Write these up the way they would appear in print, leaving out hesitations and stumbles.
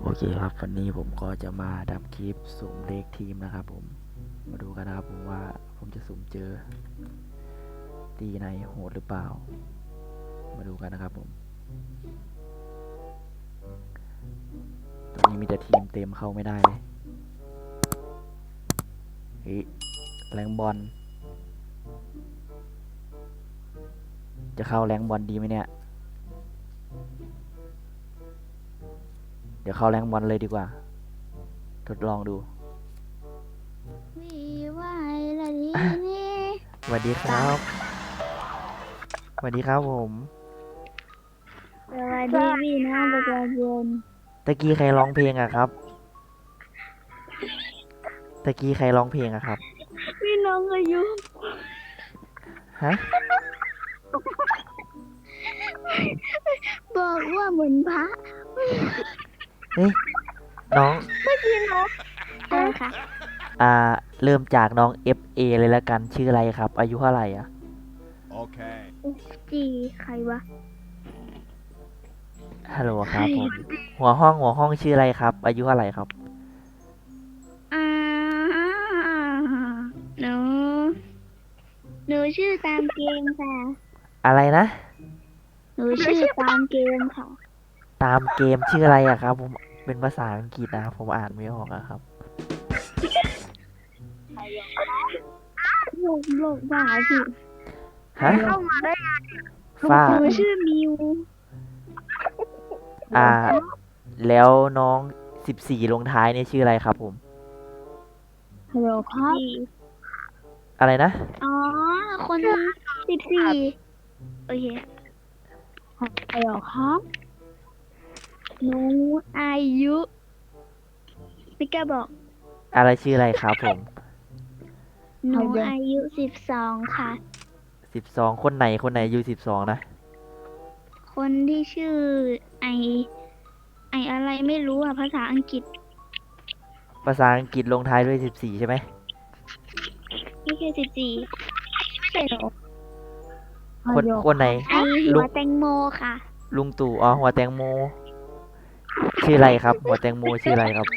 โอเคครับวันนี้ผมก็จะมาทำคลิปสุ่มเลขทีมนะครับผมมาดูกันนะครับผมว่าผมจะสุ่มเจอตีไหนโหดหรือเปล่ามาดูกันนะครับผมตอนนี้มีแต่ทีมเต็มเข้าไม่ได้เลยเฮ้ยแรงบอลจะเข้าแรงบอลดีไหมเนี่ยเดี๋ยวเข้าแรงบอลเลยดีกว่าทดลองดูวีวายละลีนี่สวัสดีครับสวัสดีครับผมสวัสดีพี่น้องประชาชนตะกี้ใครร้องเพลงอะครับตะกี้ใครร้องเพลงอะครับพี่น้องอายุฮะบอกว่าเหมือนพระเฮ้ยน้องเมื่อกี้น้องอะไรคะเริ่มจากน้อง FA เลยละกันชื่ออะไรครับอายุเท่าไหร่อ่ะ Okay. จีใครวะฮัลโหลครับผมหัวห้องชื่ออะไรครับอายุเท่าไหร่ครับอ่าหนูหนูชื่อตามเกมค่ะอะไรนะหนูชื่อตามเกมค่ะตามเกมชื่ออะไรอะครับผมเป็นภาษาอังกฤษนะผมอ่านไม่ออกอะครับโลกบ้าพี่ฮะเข้ามาได้ฝ้าหนูชื่อมิวแล้วน้อง14ลงท้ายเนี่ยชื่ออะไรครับผมฮัลโหลครับอะไรนะอ๋อ คน14โอเคฮัลโหลครับหนูอายุไม่กล้าบอกอะไรชื่ออะไรครับผมหนูอายุ12ค่ะ 12คนไหนอายุ12นะคนที่ชื่อไออะไรไม่รู้อ่ะภาษาอังกฤษภาษาอังกฤษลงท้ายด้วย14ใช่ไหมไม่ใช่14ไม่ใช่หรอคนไหนไอหัลุวงแตงโมค่ะลุงตู่อ๋อหัวแตงโมชื่ออะไรครับหัวแตงโมชื่ออะไรครับ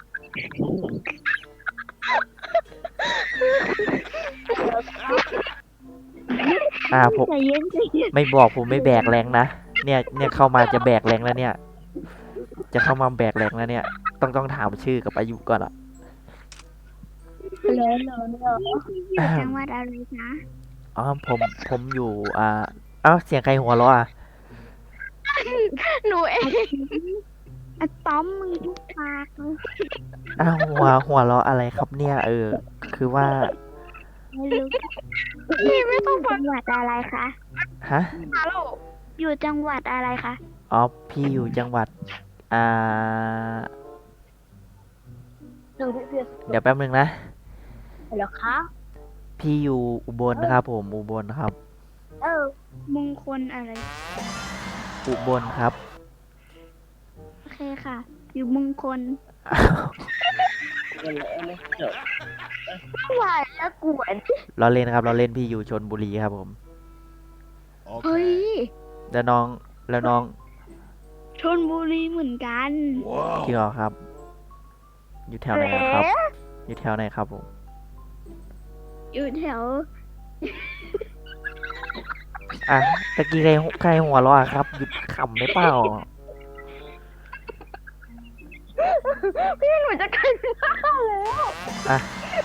ผมใจเย็นใจเย็นไม่บอกผมไม่แบกแรงนะเนี่ยเข้ามาจะแบกแรงแล้วเนี่ยจะเข้ามาแบกแรงแล้วเนี่ยต้องถามชื่อกับอายุก่อนอ่ะเลยอยู่จังหวัดอะไรคะอ๋อผมอยู่เอ้าเสียงใครหัวเราะอ่ะหนูเองอะต้อมมึงทุกปากเลยอ้าวหัวเราะอะไรครับเนี่ยคือว่าไม่รู้พี่ไม่ต้องจังหวัดอะไรคะฮะฮัลโหลอยู่จังหวัดอะไรคะอ๋อพี่อยู่จังหวัดอ่าเดี๋ยวแป๊บนึงนะเหรอคะพี่อยู่อุบลนะครับผมอุบลครับมงคลอะไรอุบลครับโอเคค่ะ อยู่มงคลไหวแล้วกวนเราเล่นครับเราเล่นพี่อยู่ชลบุรีครับผมเฮ้ย Okay. แล้วน้องชนบุรีเหมือนกันจริงเหรอครับ อยู่แถวไหนอะครับ อยู่แถวไหนครับผมอยู่แถวตะกี้ใครหัวเราะอะครับหยุดขำได้เปล่าพี่หนูจะกันหน้าแล้วอ่ะ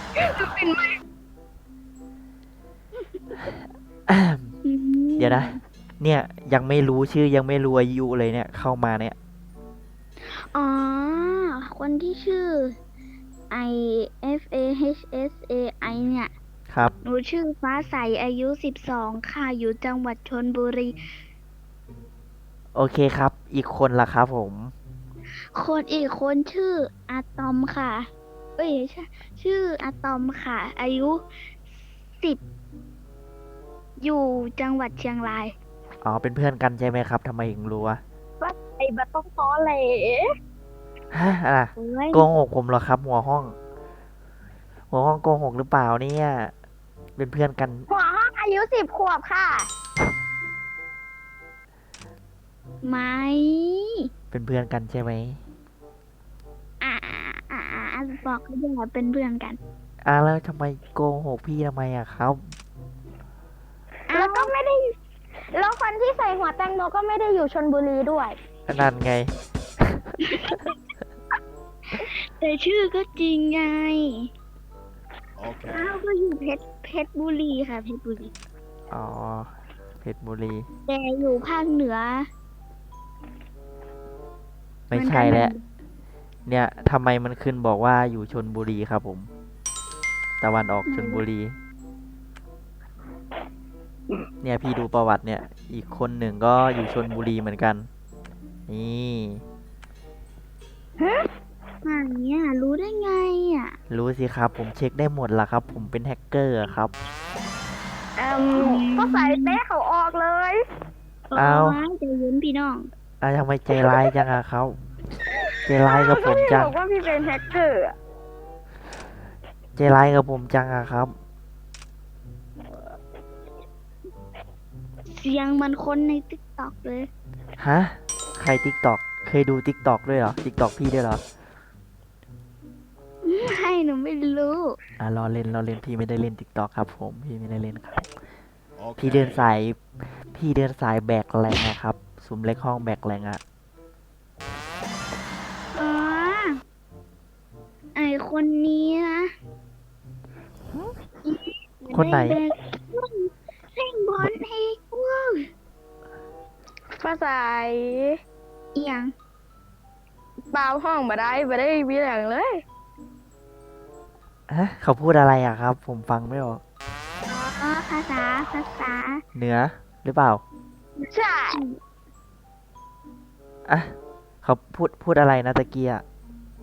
เดี๋ยวนะ เนี่ยยังไม่รู้ชื่อยังไม่รู้อายุเลยเนี่ยเข้ามาเนี่ยอ๋อ คนที่ชื่อ I F A H S A I เนี่ยครับหนูชื่อฟ้าใสอายุ12ค่ะ อยู่จังหวัดชลบุรีโอเคครับ อีกคนล่ะครับผมคนอีกคนชื่ออะตอมค่ะ เอ้ยใช่ชื่ออะตอมค่ะ อายุ10อยู่จังหวัดเชียงรายอ๋อเป็นเพื่อนกันใช่ไหมครับทำไมถึงรู้วะไอ้บัตต้องตอแหลฮะอะไรเฮ้ยโกหกผมเหรอครับ หัวห้องโกหกหรือเปล่าเนี่ยเป็นเพื่อนกันหัวห้องอายุ10 ขวบค่ะ ไม่เป็นเพื่อนกันใช่ไหมบอกก็อย่าเป็นเพื่อนกันแล้วทำไมโกหกพี่ทำไมอะครับแล้วก็ไม่ได้ แล้วคนที่ใส่หัวแตงโมก็ไม่ได้อยู่ชลบุรีด้วยนั่นไงแต่ชื่อก็จริงไง Okay. อ้าวก็อยู่เพชรบุรีค่ะเพชรบุรีอ๋อ เพชรบุรีแต่อยู่ภาคเหนือไม่ใช่แล้ว เนี่ยทำไมมันขึ้นบอกว่าอยู่ชนบุรีครับผม ตะวันออกชนบุรี เนี่ยพี่ดูประวัติเนี่ย อีกคนหนึ่งก็อยู่ชนบุรีเหมือนกัน นี่อย่างเนี้ยรู้ได้ไงอ่ะรู้สิครับ ผมเช็คได้หมดละครับ ผมเป็นแฮกเกอร์อะครับก็ใส่เต้เขาออกเลยเอาใจเย็นพี่น้องทำไมใจร้ายจังอะครับ ใจร้ายกับผมจังบอกว่าพี่เป็นแฮกเกอร์อะใจร้ายกับผมจังอะครับเสียงมันคนในติ๊กต็อกเลยฮะ ใครติ๊กตอก เคยดูติ๊กตอกด้วยเหรอ ติ๊กตอกพี่ด้วยเหรอไม่หนูไม่รู้รอเล่นพี่ไม่ได้เล่นติ๊กตอกครับ ผม พี่ไม่ได้เล่นครับ Okay. พี่เดินสายแบกแรงนะครับซุ้มเล็กห้องแบกแรงอะอ๋อ ไอคนนี้นะคนไหนแบกเล่นบอลให้ว้าวภาษาเอียงเปล่าห้องมาได้มีอย่างเลยเขาพูดอะไรอะครับ ผมฟังไม่ออกอ๋อ ภาษาเหนือหรือเปล่าใช่เขาพูดอะไรนะตะเกียะ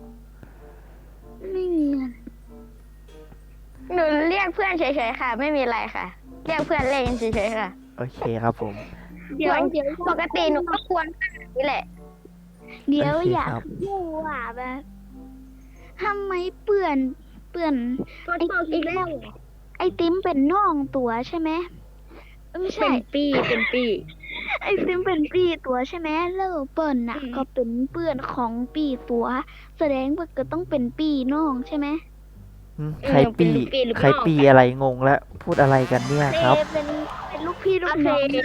ไม่มีอะไรหนูเรียกเพื่อนเฉยๆค่ะ ไม่มีอะไรค่ะ เรียกเพื่อนเล่นเฉยๆค่ะโอเคครับผมเดี๋ยวปกติหนูก็ควรแบบนี้แหละเดี๋ยวโอเคอยากครับรู้ว่าแบบทำไมเปื่อนอีกแล้ว ไอติมเป็นน้องตัวใช่ไหมไม่ใช่เป็นปีไอติมเป็นปีตัวใช่ไหมแล้วเปิ้ลน่ะ ก็เป็นเพื่อนของปีตัว แสดงว่าก็ต้องเป็นปีน้องใช่ไหมใครปีเป็นลูกพี่ลูกน้องใครปีอะไรงงแล้ว พูดอะไรกันเนี่ยครับเป็นลูกพี่ลูกน้องกัน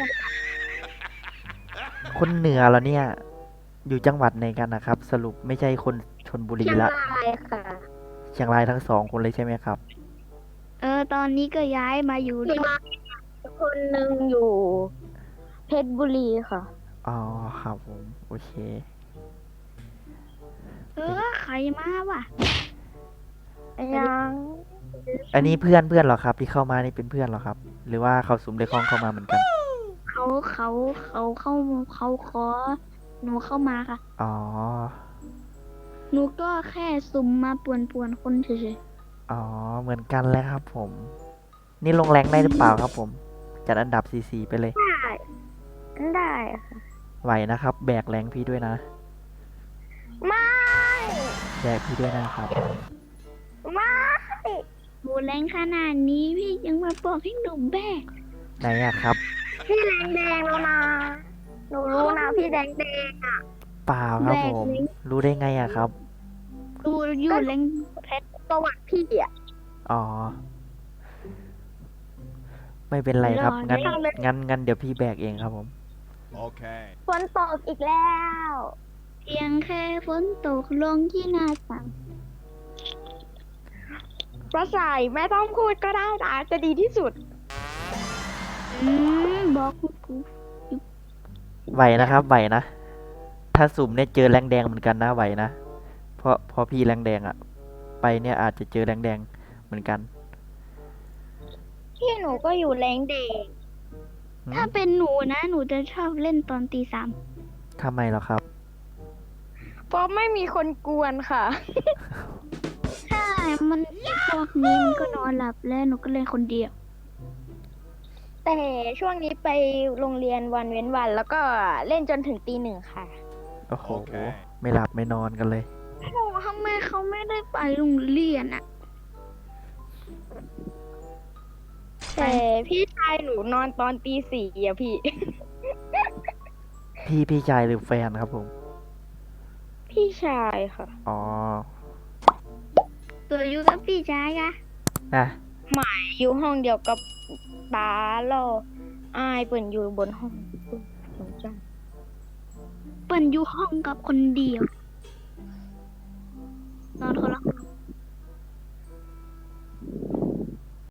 คนเหนือเหรอเนี่ย อยู่จังหวัดไหนกันนะครับ สรุปไม่ใช่คนชนบุรีเชียงละรายค่ะเชียงรายทั้งสองคนเลยใช่ไหมครับตอนนี้ก็ย้ายมาอยู่เชียงรายคนหนึ่งอยู่ เพชรบุรีค่ะอ๋อครับผมโอเคใครมาวะยังอันนี้เพื่อนเหรอครับ ที่เข้ามานี่เป็นเพื่อนเหรอครับ หรือว่าเขาซุ้มเล็กห้องเข้ามาเหมือนกันเขาขอหนูเข้ามาค่ะอ๋อหนูก็แค่สุ่มมาป่วนคนเฉยอ๋อ เหมือนกันเลยครับผม นี่ลงแรงได้หรือเปล่าครับผม จัดอันดับ4ไปเลยได้ค่ะไหวนะครับ แบกแรงพี่ด้วยนะไม่แบกพี่ด้วยนะครับไม่ๆหนูแรงขนาดนี้พี่ยังมาบอกให้หนูแบกไหนอะครับพี่แดงแล้วนะ หนูรู้นะพี่แดงเปล่าครับผม รู้ได้ไงอะครับดูอยู่แรงประวัติพี่อ่ะอ๋อ ไม่เป็นไรครับ งั้นเดี๋ยวพี่แบกเองครับผม Okay. ฝนตกอีกแล้วเพียงแค่ฝนตกลงที่หน้าต่างประสายไม่ต้องพูดก็ได้นะจะดีที่สุดบอกกูไหวนะครับ ไหวนะ ถ้าสุ่มเนี่ยเจอแรงแดงเหมือนกันนะ ไหวนะ เพราะพี่แรงแดงอะไปเนี่ยอาจจะเจอแรงแดงเหมือนกันพี่หนูก็อยู่แรงเด็กถ้าเป็นหนูนะ หนูจะชอบเล่นตอนตี 3 ทำไมเหรอครับเพราะไม่มีคนกวนค่ะใช่ มันพวกนี้มันก็นอนหลับแล้วหนูก็เล่นคนเดียวแต่ช่วงนี้ไปโรงเรียนวันเว้นวัน แล้วก็เล่นจนถึงตี 1ค่ะโอ้โหโอเคไม่หลับไม่นอนกันเลยโอ้ทำไมเขาไม่ได้ไปโรงเรียนอะแต่พี่ชายหนูนอนตอนตี 4อ่ะพี่พี่ชายหรือแฟนครับผมพี่ชายค่ะอ๋อตัวอยู่กับพี่ชายอะอ่ะอยู่ห้องเดียวกับป้าโลอายเปิ่นอยู่บนห้องสนใจเปิ้นอยู่ห้องกับคนเดียว